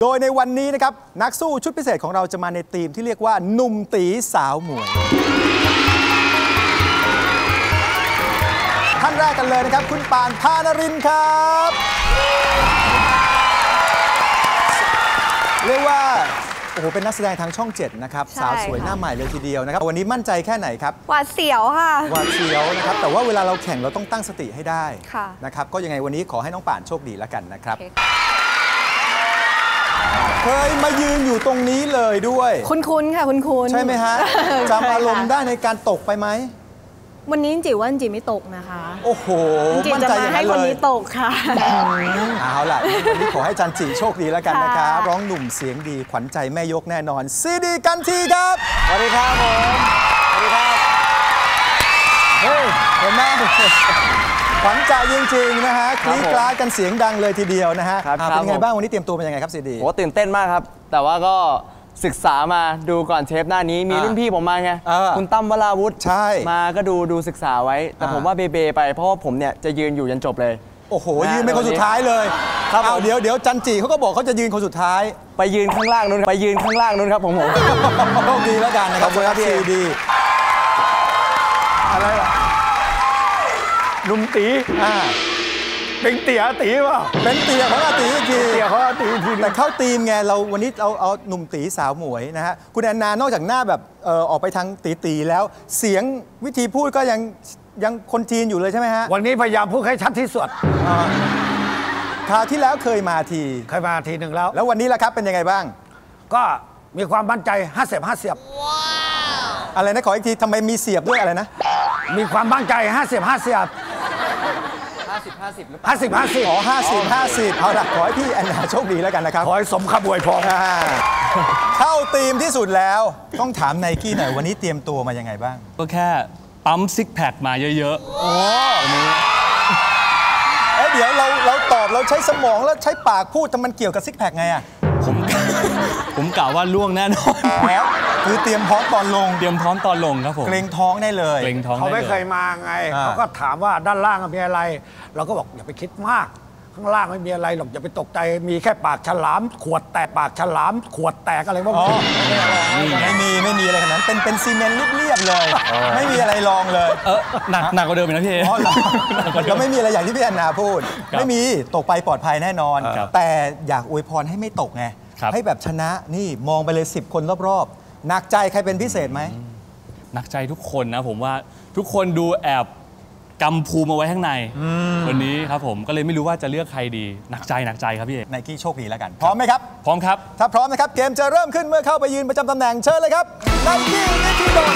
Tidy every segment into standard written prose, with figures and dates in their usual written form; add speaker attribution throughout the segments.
Speaker 1: โดยในวันนี้นะครับนักสู้ชุดพิเศษของเราจะมาในธีมที่เรียกว่าหนุ่มตีสาวหมวยท่านแรกกันเลยนะครับคุณปานพานรินทร์ครับเรียกว่าโอ้โหเป็นนักแสดงทางช่อง 7นะครับสาวสวยหน้าใหม่เลยทีเดียวนะครับวันนี้มั่นใจแค่ไหนครับ
Speaker 2: หวาดเสียวค่ะ
Speaker 1: หวาดเสียวนะครับแต่ว่าเวลาเราแข่งเราต้องตั้งสติให้ได้นะครับก็ยังไงวันนี้ขอให้น้องป่านโชคดีแล้วกันนะครับเคยมายืนอยู่ตรงนี้เลยด้วย
Speaker 2: คุ้นๆค่ะคุ้นๆ
Speaker 1: ใช่ไหมฮะจำอารมณ์ได้ในการตกไปไหม
Speaker 2: วันนี้จิ๋วว่าจิ๋วไม่ตกนะคะ
Speaker 1: โอ้โห
Speaker 2: จิ๋วจะมาให้คนนี้ตกค่ะ
Speaker 1: เอาล่ะวันนี้ขอให้จันจิโชคดีแล้วกันนะครับร้องหนุ่มเสียงดีขวัญใจแม่ยกแน่นอนซีดีกันทีครับ
Speaker 3: สวัสดีครับผมสวัสดีครับ
Speaker 1: เฮ้ยเห็นไหมขวัญใจจริงๆนะฮะคลีกลากันเสียงดังเลยทีเดียวนะฮะเป็นไงบ้างวันนี้เตรียมตัวเป็นยังไงครับซีดี
Speaker 3: โอ้ตื่นเต้นมากครับแต่ว่าก็ศึกษามาดูก่อนเทปหน้านี้มีรุ่นพี่ผมมาไงคุณตั้มวราวุฒิ
Speaker 1: ใช่
Speaker 3: มาก็ดูศึกษาไว้แต่ผมว่าเบไปเพราะว่าผมเนี่ยจะยืนอยู่ยันจบเลย
Speaker 1: โอ้โหยืนเป็นคนสุดท้ายเลยครับเดี๋ยวจันจิเขาก็บอกเขาจะยืนคนสุดท้าย
Speaker 3: ไปยืนข้างล่างนู้นไปยืนข้างล่างนู้นครับผม
Speaker 1: โชคดีแล้วกันนะครับซีดี
Speaker 4: อะไรล่ะลุงตีเป็นเตี๋ยตีป่ะ
Speaker 1: เป็นเตี๋ยของอาตีอีกที
Speaker 4: เตี๋ยของอาตีที
Speaker 1: แต่เข้าธีมไงเราวันนี้เอาหนุ่มตีสาวหมวยนะฮะคุณแอนนานอกจากหน้าแบบออกไปทางตีแล้วเสียงวิธีพูดก็ยังคนจีนอยู่เลยใช่ไหมฮะ
Speaker 4: วันนี้พยายามพูดให้ชัดที่สุด
Speaker 1: คราวที่แล้วเคยมาที
Speaker 4: หนึ่งแล้ว
Speaker 1: วันนี้ล่ะครับเป็นยังไงบ้าง
Speaker 4: ก็มีความมั่นใจ50-50
Speaker 1: อะไรนะขออีกทีทำไมมีเสียบด้วยอะไรนะ
Speaker 4: มีความมั่นใจ50-50
Speaker 3: 50-50
Speaker 1: อ๋อ50-50เอาล่ะขอให้พี่แอนนาโชคดีแล้วกันนะครับ
Speaker 4: ขอให้สมคำอวยพร
Speaker 1: เข้าธีมที่สุดแล้วต้องถามไนกี้หน่อยวันนี้เตรียมตัวมายังไงบ้าง
Speaker 5: ก็แค่ปั๊มซิกแพคมาเยอะๆ
Speaker 1: โอ้เดี๋ยวเราตอบเราใช้สมองแล้วใช้ปากพูดแต่มันเกี่ยวกับซิกแพคไงอ่ะ
Speaker 5: ผมกล่าวว่าล่วงแน่นอน
Speaker 1: แล้วคือเตรียมพร้อมตอนลง
Speaker 5: ครับผม
Speaker 1: เกรงท้องได้เลย
Speaker 4: เขาไม่เคยมาไงเขาก็ถามว่าด้านล่างมีอะไรเราก็บอกอย่าไปคิดมากข้างล่างไม่มีอะไรหรอกอย่าไปตกใจมีแค่ปากฉลามขวดแตกปากฉลามขวดแตกอะไรพวกนี้
Speaker 1: ไม่มีอะไรขนาดนั้นเป็นซีเมนต์เรียบๆเลยไม่มีอะไรรองเลย
Speaker 5: หนักกว่าเดิมนะพี่
Speaker 1: แล้วไม่มีอะไรอย่างที่พี่แอนนาพูดไม่มีตกไปปลอดภัยแน่นอนแต่อยากอวยพรให้ไม่ตกไงให้แบบชนะนี่มองไปเลย10 คนรอบๆหนักใจใครเป็นพิเศษไหม
Speaker 5: หนักใจทุกคนนะผมว่าทุกคนดูแอบกำภูมิเอาไว้ข้างในวันนี้ครับผมก็เลยไม่รู้ว่าจะเลือกใครดีหนักใจครับพี่เอก
Speaker 1: ไนกี้โชคดีแล้วกันพร้อมไหมครับ
Speaker 5: พร้อมครับ
Speaker 1: ถ้าพร้อมนะครับเกมจะเริ่มขึ้นเมื่อเข้าไปยืนประจำตำแหน่งเชิญเลยครับไนกี้นิธิดล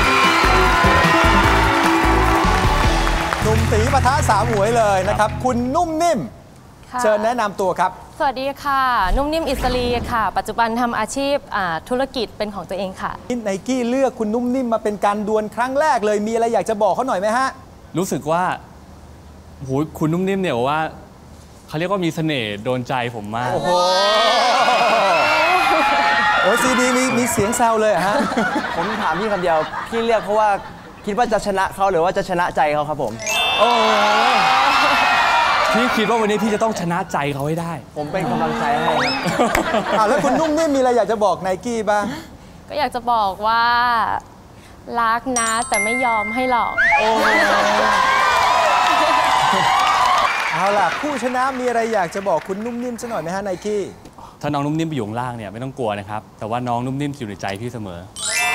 Speaker 1: หนุ่มตีปะทะสาวหมวยเลยนะครับคุณนุ่มนิ่มเชิญแนะนำตัวครับ
Speaker 6: สวัสดีค่ะนุ่มนิ่มอิสรีค่ะปัจจุบันทำอาชีพธุรกิจเป็นของตัวเองค่ะ
Speaker 1: ไนกี้เลือกคุณนุ่มนิ่มมาเป็นการดวลครั้งแรกเลยมีอะไรอยากจะบอกเขาหน่อยไหมฮะ
Speaker 5: รู้สึกว่าโหคุณนุ่มนิ่มเนี่ยว่าเขาเรียกว่ามีเสน่ห์โดนใจผมมาก
Speaker 1: โอ้โหซีดีมีเสียงแซวเลยฮะ
Speaker 3: ผมถามพี่คำเดียวพี่เลือกเพราะว่าคิดว่าจะชนะเขาหรือว่าจะชนะใจเขาครับผม
Speaker 5: โอ้พี่คิดว่าวันนี้พี่จะต้องชนะใจเขาให้ได้
Speaker 3: ผมเป็นกำลังใจให้
Speaker 1: ครับแล้วคุณนุ่มนิ่มมีอะไรอยากจะบอกไนกี้บ้าง
Speaker 6: ก็อยากจะบอกว่ารักนะแต่ไม่ยอมให้หรอก
Speaker 1: เอาล่ะผู้ชนะมีอะไรอยากจะบอกคุณนุ่มนิ่มสักหน่อยไหมฮะไนกี้
Speaker 5: ถ้าน้องนุ่มนิ่มไปอยู่ข้างล่างเนี่ยไม่ต้องกลัวนะครับแต่ว่าน้องนุ่มนิ่มอยู่ในใจพี่เสมอ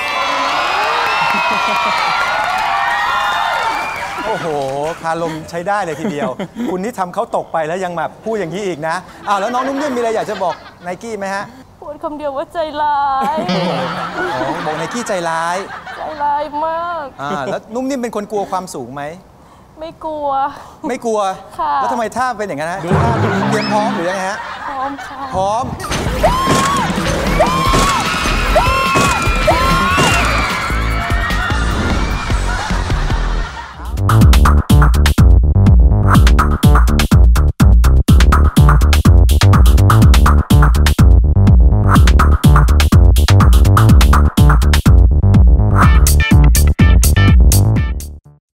Speaker 1: โอ้โหคารมใช้ได้เลยทีเดียวคุณนี่ทำเขาตกไปแล้วยังแบบพูดอย่างนี้อีกนะแล้วน้องนุ่มนิ่มมีอะไรอยากจะบอกไนกี้ไหมฮะ
Speaker 6: พูดคำเดียวว่าใจร้าย
Speaker 1: บอกไนกี้ใจร้าย
Speaker 6: มาก
Speaker 1: แล้วนุ่มนิ่มเป็นคนกลัวความสูงไหม
Speaker 6: ไม่กลัว
Speaker 1: ค่ะแล้วทำไมท่าเป็นอย่างนั้นฮะเตรียมพร้อมหรือยังไงฮะ
Speaker 6: พร้อมค่ะ
Speaker 1: พร้อม